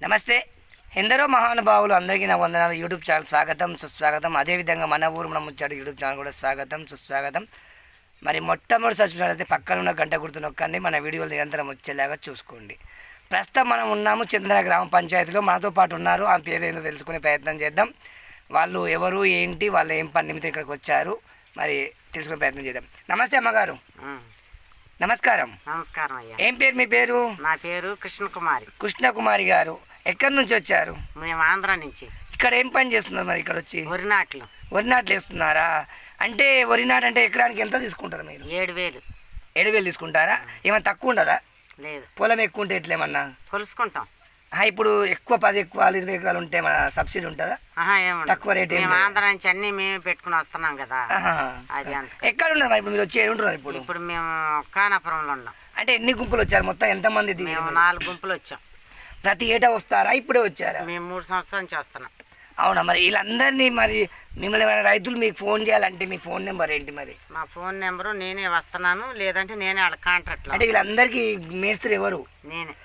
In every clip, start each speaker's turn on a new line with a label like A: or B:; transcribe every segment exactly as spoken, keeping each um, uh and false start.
A: నమస్తే. ఎందరో మహానుభావులు అందరికీ నా వందనాలు. యూట్యూబ్ ఛానల్ స్వాగతం సుస్వాగతం. అదేవిధంగా మన ఊరు మన ముచ్చాడు యూట్యూబ్ ఛానల్ కూడా స్వాగతం సుస్వాగతం. మరి మొట్టమొదటిసారి చూసినట్లయితే పక్కన ఉన్న గంట గుర్తు నొక్కండి. మన వీడియోలు నిరంతరం వచ్చేలాగా చూసుకోండి. ప్రస్తుతం మనం ఉన్నాము చందన గ్రామ పంచాయతీలో. మనతో పాటు ఉన్నారు. ఆ పేరు ఏంటో తెలుసుకునే ప్రయత్నం చేద్దాం. వాళ్ళు ఎవరు ఏంటి, వాళ్ళు ఏం పని నిమిత్తం ఇక్కడికి వచ్చారు, మరి తెలుసుకునే ప్రయత్నం చేద్దాం. నమస్తే అమ్మగారు. నమస్కారం.
B: నమస్కారం అయ్యా.
A: ఏం పేరు మీ పేరు?
B: నా పేరు కృష్ణకుమారి.
A: కృష్ణకుమారి గారు ఎక్కడి నుంచి వచ్చారు?
B: మేము ఆంధ్ర నుంచి.
A: ఇక్కడ ఏం పని చేస్తున్నారు మరి? ఇక్కడ వచ్చి
B: వరి నాట్లు
A: వరి నాట్లు వేస్తున్నారా? అంటే వరి నాటు అంటే ఎకరానికి ఎంత తీసుకుంటారు మీరు?
B: ఏడు వేలు
A: ఏడు వేలు తీసుకుంటారా? ఏమైనా తక్కువ ఉండదా?
B: లేదు.
A: పొలం ఎక్కువ ఉంటే ఎట్లేమన్నా
B: కొలుసుకుంటాం.
A: ఇప్పుడు ఎక్కువ పది ఎక్కువ ఇరవై ఎకరాలు ఉంటే మన సబ్సిడీ ఉంటుందా? తక్కువ రేట్?
B: మేము ఆంధ్ర నుంచి అన్ని మేమే పెట్టుకుని వస్తున్నాం కదా. అది అంత.
A: ఎక్కడ ఉన్నారు మరి ఇప్పుడు మీరు వచ్చి? ఏడుంటున్నారు ఇప్పుడు?
B: ఇప్పుడు మేము కానాపురంలో ఉన్నాం.
A: అంటే ఎన్ని గుంపులు వచ్చారు మొత్తం? ఎంతమంది?
B: మేము నాలుగు గుంపులు వచ్చాం.
A: ప్రతి ఏటా వస్తారా? ఇప్పుడే వచ్చారా?
B: మేము మూడు సంవత్సరాల నుంచి వస్తున్నాం.
A: అవునా? మరి వీళ్ళందరినీ మరి మిమ్మల్ని రైతులు మీకు ఫోన్ చేయాలంటే మీ ఫోన్ నెంబర్ ఏంటి మరి?
B: మా ఫోన్ నెంబరు నేనే వస్తున్నాను, లేదంటే నేనే వాళ్ళ కాంట్రాక్ట్.
A: అంటే వీళ్ళందరికీ మేస్త్రి ఎవరు?
B: నేనే.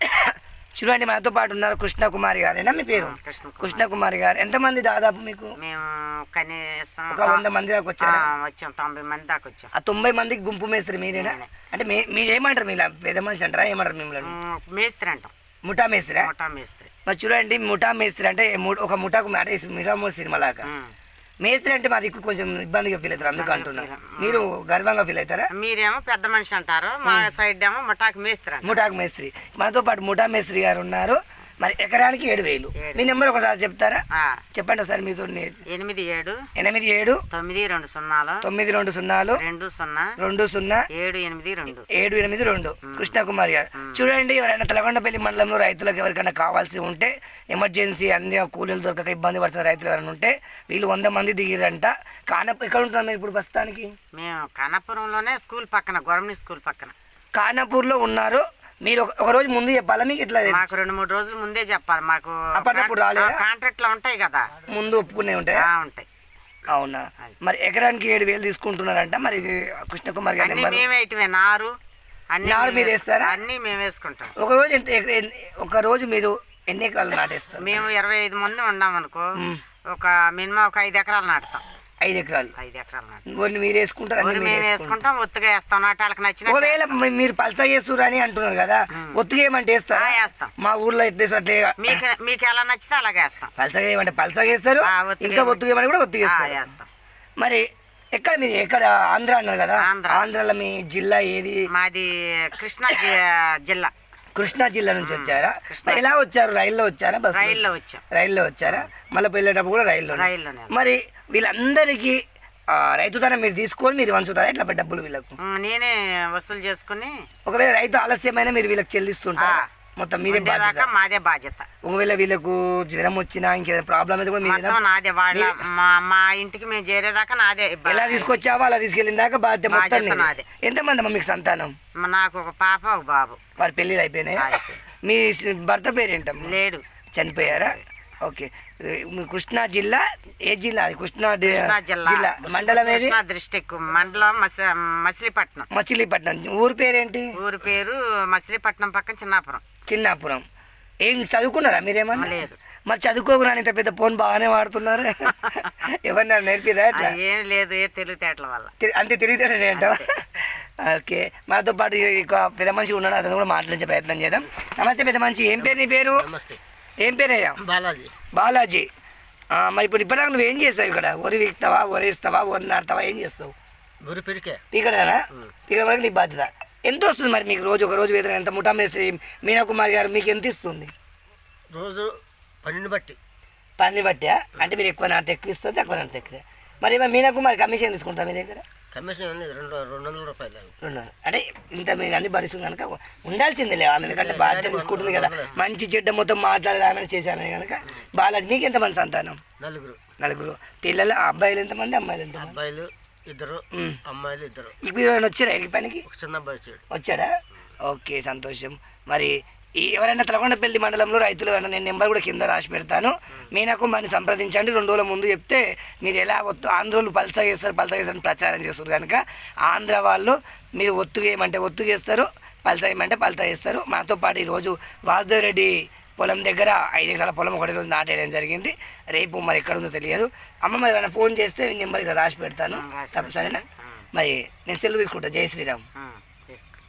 A: చూడండి, మనతో పాటు ఉన్నారు కృష్ణకుమారి గారేనా మీ పేరు? కృష్ణకుమారి గారు. ఎంతమంది దాదాపు మీకు?
B: మేము కనీసం
A: ఒక వంద మంది దాకా వచ్చారు.
B: వచ్చాం, తొంభై మంది దాకా వచ్చాం.
A: ఆ తొంభై మందికి గుంపు మేస్త్రి మీరేనా? అంటే మీరేమంటారు? మీ పెద్ద మనిషి అంటారా? ఏమంటారు మిమ్మల్ని?
B: మేస్త్రి అంటాం.
A: ముఠా మేస్త్రి.
B: ముఠా మేస్త్రి.
A: మరి చూడండి, ముఠా మేస్త్రి అంటే ఒక ముఠాకు అంటే ముఠా మూడు సినిమా లాగా. మేస్త్రి అంటే మా దిక్కు కొంచెం ఇబ్బందిగా ఫీల్ అవుతారు, అందుకు అంటున్నారు. మీరు గర్వంగా ఫీల్ అవుతారా?
B: మీరేమో పెద్ద మనిషి అంటారు, మా సైడ్ ఏమో ముఠాకు మేస్త్రి.
A: ముఠాకు మేస్త్రి. మనతో పాటు ముఠా మేస్త్రి గారు ఉన్నారు. మరి ఎకరానికి ఏడు వేలు. మీ నెంబర్ ఒకసారి చెప్తారా? చెప్పండి ఒకసారి. మీతో
B: ఎనిమిది ఏడు
A: ఎనిమిది ఏడు
B: తొమ్మిది రెండు సున్నాలు
A: తొమ్మిది రెండు సున్నాలు
B: రెండు సున్నా
A: రెండు సున్నా
B: ఏడు ఎనిమిది రెండు
A: ఏడు ఎనిమిది రెండు. కృష్ణకుమారి గారు. చూడండి, ఎవరైనా తెలగొండపల్లి మండలంలో రైతులకు ఎవరికైనా కావాల్సి ఉంటే, ఎమర్జెన్సీ అన్ని కూలీలు దొరకక ఇబ్బంది పడుతున్న రైతులు ఎవరైనా ఉంటే, వీళ్ళు వంద మంది దిగిరంట. కానపూర్ ఎక్కడ ఉంటున్నాం మేము ఇప్పుడు ప్రస్తుతానికి?
B: మేము కానాపురంలోనే, స్కూల్ పక్కన, గవర్నమెంట్ స్కూల్ పక్కన
A: కానాపూర్లో ఉన్నారు. మీరు ఒక రోజు ముందు చెప్పాలా మీకు? ఇట్లా
B: మాకు రెండు మూడు రోజుల ముందే చెప్పాలి. మాకు
A: అప్పటికప్పుడు రాలేదు.
B: కాంట్రాక్ట్లు ఉంటాయి కదా, ముందు
A: ఒప్పుకునే ఉంటాయి.
B: ఉంటాయి.
A: అవునా? మరి ఎకరానికి ఏడు వేలు తీసుకుంటున్నారంట. మరి ఇది కృష్ణకుమార్ గారి
B: మేమే నారు అన్ని
A: నారు మీరు వేస్తారా?
B: అన్ని మేము వేసుకుంటాం.
A: ఒక రోజు ఎంత ఒక రోజు మీరు ఎన్ని ఎకరాలు నాటేస్తారు?
B: మేము ఇరవై ఐదు మంది ఉన్నాం అనుకో, ఒక మినిమం ఒక ఐదు ఎకరాలు నాటుతాం.
A: ఐదు ఎకరాలు
B: ఐదు ఎకరాలు
A: నాటు మీరు వేసుకుంటారు?
B: మేము వేసుకుంటాం, ఒత్తుగా వేస్తాం. నాటాలకు నచ్చిన.
A: ఒకవేళ మీరు పల్చగా చేస్తున్నారు అని అంటున్నారు కదా, ఒత్తుగా ఏమంటే వేస్తారా?
B: వేస్తాం.
A: మా ఊర్లో ఎట్లా అట్లే
B: మీకు మీకు ఎలా నచ్చితే అలాగే వేస్తాం.
A: పల్చగా ఏమంటే పల్చగా వేస్తారు, ఇంకా ఒత్తుగా ఏమని కూడా ఒత్తుగా వేస్తాం. మరి ఎక్కడ మీది? ఎక్కడ? ఆంధ్ర అన్నారు కదా. ఆంధ్రాలో మీ జిల్లా ఏది?
B: మాది కృష్ణా జిల్లా.
A: కృష్ణా జిల్లా నుంచి వచ్చారా? ఎలా వచ్చారు? రైల్లో వచ్చారా? బస్?
B: రైల్లో వచ్చాం.
A: రైల్లో వచ్చారా? మళ్ళీ వెళ్ళేటప్పుడు కూడా రైల్లో?
B: రైల్లోనే.
A: మరి వీళ్ళందరికీ రైతుతనం మీరు తీసుకొని మీరు వంచుతారా? ఎట్లా డబ్బులు వీళ్ళకు
B: నేనే వసూలు చేసుకుని,
A: ఒకవేళ రైతు ఆలస్యమైన మీరు వీళ్ళకి చెల్లిస్తుంటారా? మొత్తం మీదే బాధ్యత?
B: మాదే బాధ్యత.
A: ఒకవేళ వీళ్ళకు జ్వరం వచ్చినా ఇంకేదైనా ప్రాబ్లం అయితే కూడా
B: మీదే. నాదే. వాళ్ళ మా ఇంటికి మేము చేరేదాకా నాదే.
A: ఎలా తీసుకొచ్చావో అలా తీసుకెళ్ళిన దాకా బాధ్యత మొత్తం నాదే. ఎంతమంది అమ్మ మీకు సంతానం?
B: నాకు ఒక పాప, ఒక బాబు.
A: వారి పెళ్ళిళ్ళు అయిపోయినాయి? మీ భర్త పేరేంటమ్మా?
B: లేడు,
A: చనిపోయారా? ఓకే. కృష్ణా జిల్లా ఏ జిల్లా? కృష్ణా
B: జిల్లా.
A: మండలం ఏది?
B: డిస్ట్రిక్ట్. మండలం మచిలీపట్నం.
A: మచిలీపట్నం. ఊరు పేరేంటి?
B: ఊరు పేరు మచిలీపట్నం పక్కన చిన్నాపురం.
A: చిన్నాపురం. ఏం చదువుకున్నారా మీరేమన్నా?
B: లేదు.
A: మరి చదువుకోకున్నా ఇంత పెద్ద ఫోన్ బాగానే వాడుతున్నారు. ఎవరన్నా నేర్పిరా?
B: ఏం లేదు, ఏ తెలివితేటల వల్ల.
A: అంటే తెలివితేటలు ఏంటో. ఓకే. మనతో పాటు పెద్ద మనిషి ఉన్నాడు, అతను కూడా మాట్లాడించే ప్రయత్నం చేద్దాం. నమస్తే పెద్ద మనిషి. ఏం పేరు నీ పేరు? ఏం పేరయ్యా?
B: బాలాజీ.
A: బాలాజీ. మరి ఇప్పుడు ఇప్పటిదాకా నువ్వు ఏం చేస్తావు ఇక్కడ? వరి వీక్తావా, వరి ఇస్తావా, వరి నాటుతావా, ఏం చేస్తావు?
B: గురి పిరికే.
A: పీకడనా? పీకడ వరకు నీ బాధ్యత. ఎంత వస్తుంది మరి మీకు రోజు? ఒక రోజు వేతనం ఎంత? ముఠా మేస్త్రి మీనాకుమారి గారు మీకు ఎంత ఇస్తుంది
B: రోజు? పనిని బట్టి.
A: పనిని బట్టా? అంటే మీరు ఎక్కువ నాటు ఎక్కువ ఇస్తుంది, తక్కువ నాటు ఎక్కువ. మరి మీనాకుమారి కమిషన్ తీసుకుంటారు మీ దగ్గర?
B: కమిషన్ లేదు, రెండు రెండు వందల రూపాయలు. రెండు
A: అంటే ఇంత మీరు అన్ని భరిస్తుంది కనుక ఉండాల్సిందే లే ఆమె, ఎందుకంటే బాధ్యత తీసుకుంటుంది కదా. మంచి చెడ్డ మొత్తం మాట్లాడేది ఆమె చేశాను కనుక. బాలాజీ, మీకు ఎంతమంది సంతానం?
B: నలుగురు.
A: నలుగురు పిల్లలు. అబ్బాయిలు ఎంతమంది, అమ్మాయిలు ఎంత?
B: అబ్బాయిలు ఇద్దరు, అమ్మాయిలు ఇద్దరు.
A: ఇప్పుడు వచ్చారా ఈ పనికి?
B: చిన్న అబ్బాయి వచ్చాడు.
A: వచ్చాడా? ఓకే, సంతోషం. మరి ఈ ఎవరైనా తెలగొండపల్లి మండలంలో రైతులు ఎవరైనా నేను నెంబర్ కూడా కింద రాసి పెడతాను, మీనాకు మరి సంప్రదించండి. రెండు రోజుల ముందు చెప్తే మీరు ఎలా ఒత్తు ఆంధ్రోళ్ళు పల్సగా చేస్తారు పల్సగా చేస్తారని ప్రచారం చేస్తారు కనుక ఆంధ్ర వాళ్ళు మీరు ఒత్తుగా ఏమంటే ఒత్తుగా చేస్తారు, పల్సగా ఏమంటే పల్సగా చేస్తారు. మాతో పాటు ఈరోజు వాసుదేవ్ రెడ్డి పొలం దగ్గర ఐదు ఎకరాల పొలం ఒకటి రోజు నాటేయడం జరిగింది. రేపు మరి ఎక్కడ ఉందో తెలియదు. అమ్మ మరి ఏమైనా ఫోన్ చేస్తే నెంబర్ ఇక్కడ రాసి పెడతాను.
B: రాసి
A: సరేనా? మరి నేను సెలవు తీసుకుంటా. జై శ్రీరామ్.
B: తీసుకో.